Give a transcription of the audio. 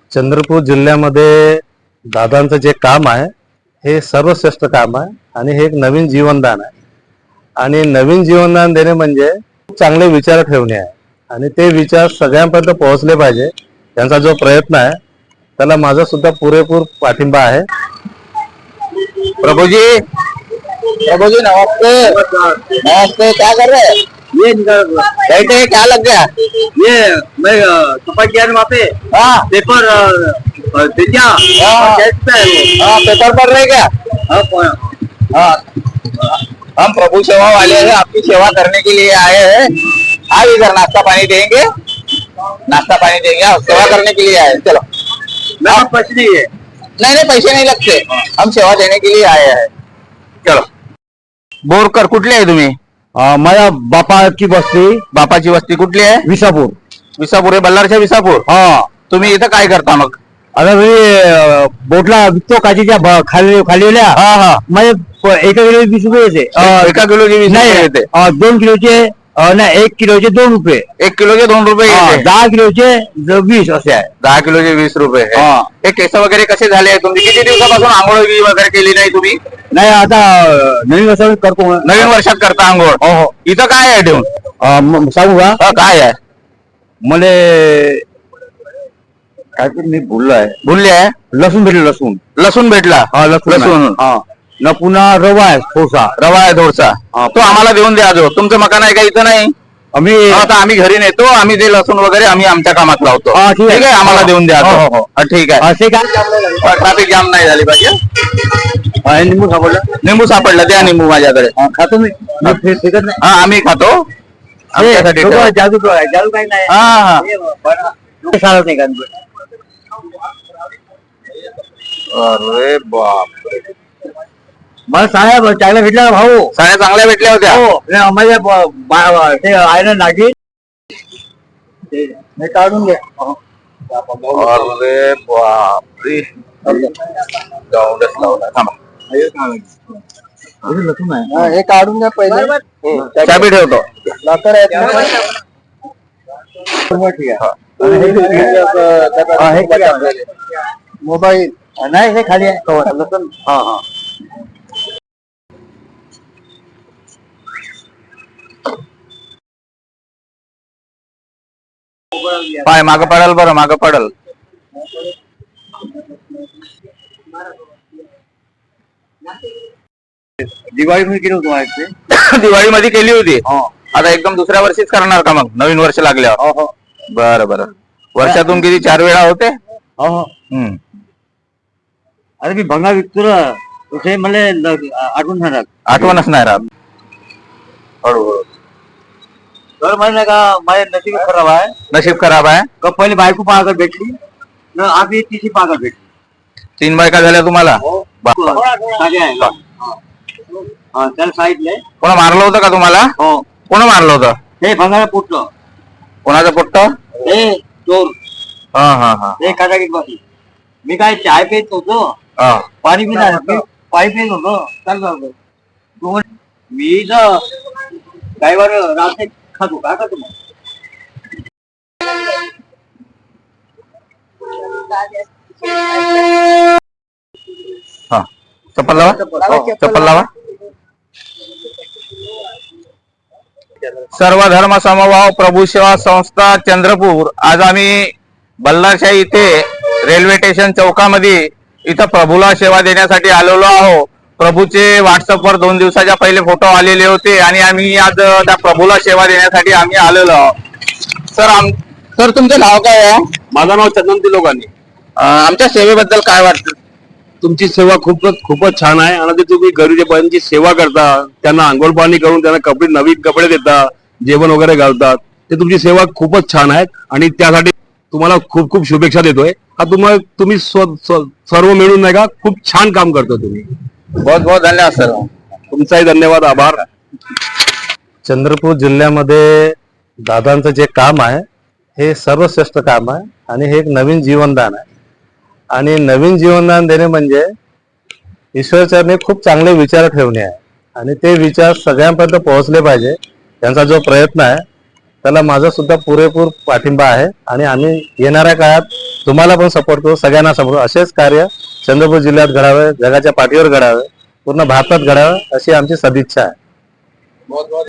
चंद्रपूर जिल्ह्यामध्ये दादांचं जे काम आहे हे सर्वश्रेष्ठ काम आहे आणि हे एक नवीन जीवनदान आहे. आणि नवीन जीवनदान देणे म्हणजे चांगले विचार ठेवणे आहे आणि ते विचार सगळ्यांपर्यंत पोहोचले पाहिजे. त्यांचा जो प्रयत्न आहे त्याला माझा सुद्धा पुरेपूर पाठिंबा आहे. प्रभु जी नमस्ते। नमस्ते, क्या कर रहे हैं? ये बैठे, क्या लग गया? ये मैं छपा किया ना वहाँ पे हाँ पेपर दे दिया। हाँ। डेस्क पे है वो। हाँ, पेपर पढ़ रहे क्या? हाँ, हम प्रभु सेवा वाले हैं, आपकी सेवा करने के लिए आए हैं। आप इधर नाश्ता पानी देंगे, नाश्ता पानी देंगे, आप सेवा करने के लिए आए हैं। चलो। मेरे पास पैसे नहीं है। नहीं पैसे नहीं लगते, हम सेवा देने के लिए आए हैं. चलो. बोरकर कुठले आहे तुम्ही? माझ्या बापाची वस्ती, बापाची वस्ती कुठली आहे? विसापूर. विसापूर आहे, बल्लारच्या विसापूर. हा. तुम्ही इथं काय करता मग? आता मी बोटला विकतो काचीच्या खालील्या. हा हा. म्हणजे एका किलो 20 रुपये येते. एका किलोचे 20 रुपये येते. 2 किलोचे नाही, 1 किलोचे 2 रुपये. 1 किलोचे 2 रुपये येते. 10 किलोचे 20 असे आहे. 10 किलोचे 20 रुपये. हे केस वगैरे कसे झाले? तुमची किती दिवसापासून आंघोळ वगैरे केली नाही तुम्ही? नाही, आता नवीन वर्षात करतो. नवीन वर्षात करता आंघोळ? हो. इथं काय आहे ठेवून? सांगू का? काय आहे? मला काहीतरी मी भुललो आहे. भुलले आहे? लसूण भेटलं. लसूण लसूण भेटला? लसूण. हा. न पुन्हा रवा आहे थोडसा. रवा आहे थोडसा. तो आम्हाला देऊन द्या. जो तुमचं मकान आहे का इथं? नाही, आता आम्ही घरी नेतो. आम्ही ते लसूण वगैरे आम्ही आमच्या कामात लावतो. ठीक आहे, आम्हाला देऊन द्या. ठीक आहे. असे काय ट्रॅफिक जाम नाही झाली पाहिजे. निंबू सापडलं. निंबू सापडलं, द्या निंबू माझ्याकडे. खातो मी. फेकत नाही. हा, आम्ही खातो. आमच्यासाठी ठेवा. जादू काही नाही. हा हा. चालत नाही का? अरे बाप, मला साड्या चांगल्या भेटल्या ना भाऊ. साड्या चांगल्या भेटल्या होत्या. हो. माझ्या ते आहे ना नागी, ते काढून घ्या. अरे बापरे, गावडच लावला. थांबा, लसूण आहे. हे काढून द्या पहिले. चाबी ठेवतो. लॉकर आहे. ठीक आहे. मोबाईल नाही, हे खाली आहे. लसूण. हा हा. पाय मागं पडल, बरं मागं पडल. दिवाळीमध्ये केलं होतं. दिवाळीमध्ये केली होती. आता एकदम दुसऱ्या वर्षीच करणार का मग? नवीन वर्ष लागल्यावर? बरं बरं. वर्षातून किती 4 वेळा होते? हम्म. अरे मी भंगा विकतो ना, तुझे मला आठवणच नाही राहत. हळूहळू. तर म्हणजे का माझे नशीब खराब आहे. नशीब खराब आहे. का पहिले बायको पागल भेटली न, आधी तिची पागल भेटली. 3 बायका झाल्या तुम्हाला? त्याला सांगितलंय. कोणा मारलं होतं का तुम्हाला? हो. कोण मारलं होतं? हे भंगाला पोटलं. कोणाचं पोट्ट? हे चोर. हा हा हा. हे काटाकीत बसली. मी काय चाय पेत होतो, पाणी पिणार, पाणी पेत होतो. चालतो मी तर ड्रायव्हर रात्री खातो. काय करतो मग? हा, चप्पल लावा. चप्पल लावा. सर्व धर्म समभाव प्रभू सेवा संस्था चंद्रपूर. आज आम्ही बल्लारशाह इथे रेल्वे स्टेशन चौकामध्ये इथं प्रभूला सेवा देण्यासाठी आलेलो आहोत. प्रभूचे व्हॉट्सअपवर 2 दिवसाच्या पहिले फोटो आलेले होते आणि आम्ही आज त्या प्रभूला सेवा देण्यासाठी आम्ही आलेलो आहोत. सर तुमचं नाव काय आहे? माझं नाव चंदन तिलोकानी. आमच्या सेवेबद्दल काय वाटतं? तुमची सेवा खूपच छान आहे आणि तुम्ही गरीबांची सेवा करता, त्यांना आंघोळ पाणी करून त्यांना नवीन कपडे देता, जेवण वगैरे घालतात. ते तुमची सेवा खूपच छान आहे आणि त्यासाठी तुम्हाला खूप खूप शुभेच्छा देतोय. हा तुम्ही सर्व मिळून नाही का खूप छान काम करतो तुम्ही. बहुत बहुत धन्यवाद सर. तुमचाही धन्यवाद, आभार. चंद्रपूर जिल्ह्यामध्ये दादांचं जे काम आहे हे सर्वश्रेष्ठ काम आहे आणि हे एक नवीन जीवनदान आहे. आणि नवीन जीवनदान देणे म्हणजे ईश्वरचरणी खूप चांगले विचार ठेवणे आहे आणि ते विचार सगळ्यांपर्यंत पोहोचले पाहिजे. त्यांचा जो प्रयत्न आहे त्याला माझा सुद्धा पुरेपूर पाठिंबा आहे आणि आम्ही येणाऱ्या काळात तुम्हाला पण सपोर्ट करू, सगळ्यांना सपोर्ट, असेच कार्य चंद्रपूर जिल्ह्यात घडावे, जगाच्या पाठीवर घडावे, पूर्ण भारतात घडावे अशी आमची सदिच्छा आहे.